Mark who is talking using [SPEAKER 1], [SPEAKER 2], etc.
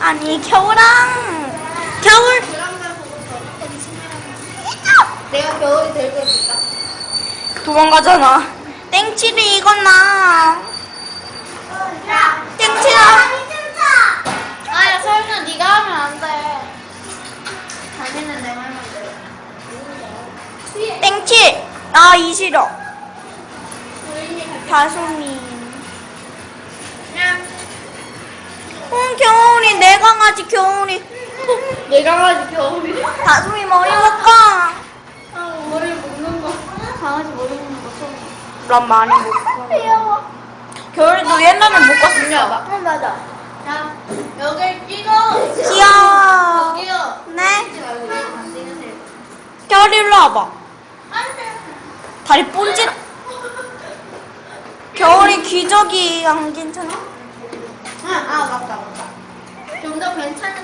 [SPEAKER 1] 아니 겨울
[SPEAKER 2] 내가 겨울이 들고 있을까?
[SPEAKER 1] 도망가잖아. 땡칠이 이거나. 땡칠아.
[SPEAKER 2] 아야 서윤아 네가 하면 안 돼. 자기는 내 말만 들어.
[SPEAKER 1] 땡칠. 아 이 싫어. 다솜이. 겨울이 내 강아지 겨울이.
[SPEAKER 2] 내 강아지 겨울이.
[SPEAKER 1] 다솜이 머리 묶어.
[SPEAKER 2] 머리 묶는 거. 강아지 머리 묶는 거 처음.
[SPEAKER 1] 난 많이 묶어.
[SPEAKER 2] 귀여워.
[SPEAKER 1] 겨울이도 옛날에 묶었었어.
[SPEAKER 2] 응 맞아. 야 여기 찍어.
[SPEAKER 1] 귀여워.
[SPEAKER 2] 여기요.
[SPEAKER 1] 네.
[SPEAKER 2] 찍지 말고 이거 다 찍으세요.
[SPEAKER 1] 겨울이 일로 와봐.
[SPEAKER 2] 안돼.
[SPEAKER 1] 다리 본짓. 겨울이 기저귀 안 괜찮아?
[SPEAKER 2] 아 맞다. 좀 더 괜찮은